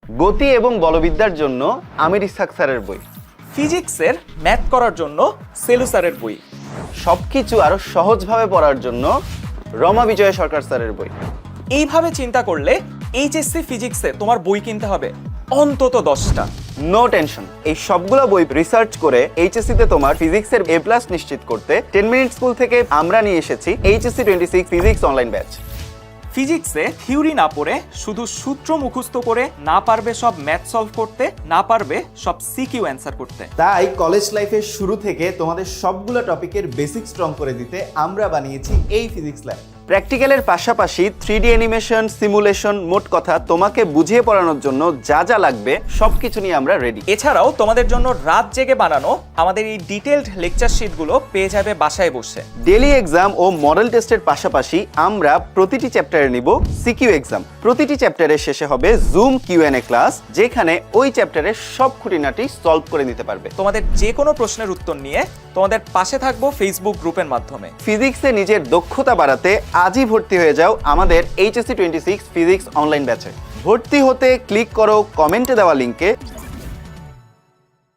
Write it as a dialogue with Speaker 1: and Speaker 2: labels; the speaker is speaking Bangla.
Speaker 1: গতি এবং বলবিদ্যার জন্য আমির ইসহাক স্যারের বই।
Speaker 2: ফিজিক্সের ম্যাথ করার জন্য সেলু স্যারের বই।
Speaker 1: সবকিছু আরো সহজভাবে পড়ার জন্য রমা বিজয় সরকার স্যারের বই।
Speaker 2: এইভাবে চিন্তা করলে এইচএসসি ফিজিক্সে তোমার বই কিনতে হবে অন্তত 10টা।
Speaker 1: নো টেনশন, এই সবগুলো বই রিসার্চ করে এইচএসসি তে তোমার ফিজিক্সের A+ নিশ্চিত করতে 10 মিনিট স্কুল থেকে আমরা নিয়ে এসেছি HSC 26 ফিজিক্স অনলাইন ব্যাচ।
Speaker 2: ফিজিক্সে থিওরি না পড়ে শুধু সূত্র মুখস্থ করে না পারবে সব ম্যাথ সলভ করতে, না পারবে সব সিকিউ অ্যান্সার করতে।
Speaker 3: তাই কলেজ লাইফের শুরু থেকে তোমাদের সবগুলো টপিকের বেসিক স্ট্রং করে দিতে আমরা বানিয়েছি এই ফিজিক্স ল্যাব।
Speaker 1: প্র্যাকটিক্যালের পাশাপাশি 3D অ্যানিমেশন, সিমুলেশন, মোট কথা তোমাকে বুঝিয়ে পড়ানোর জন্য যা যা লাগবে সবকিছু নিয়ে আমরা রেডি।
Speaker 2: এছাড়াও তোমাদের জন্য রাত জেগে বানানো আমাদের এই ডিটেইলড লেকচার শিটগুলো পেয়ে যাবে বাসায় বসে।
Speaker 1: ডেইলি এক্সাম ও মডেল টেস্টের পাশাপাশি আমরা প্রতিটি চ্যাপ্টারে নিব সিকিউ এক্সাম। প্রতিটি চ্যাপ্টারের শেষে হবে জুম Q&A ক্লাস, যেখানে ওই চ্যাপ্টারের সব খুঁটিনাটি সলভ করে নিতে পারবে।
Speaker 2: তোমাদের যে কোনো প্রশ্নের উত্তর নিয়ে তোমাদের পাশে থাকবো ফেসবুক গ্রুপের মাধ্যমে।
Speaker 1: ফিজিক্সে নিজের দক্ষতা বাড়াতে আজই ভর্তি হয়ে যাও আমাদের HSC 26 ফিজিক্স অনলাইন ব্যাচে। ভর্তি হতে ক্লিক করো কমেন্টে দেওয়া লিঙ্কে।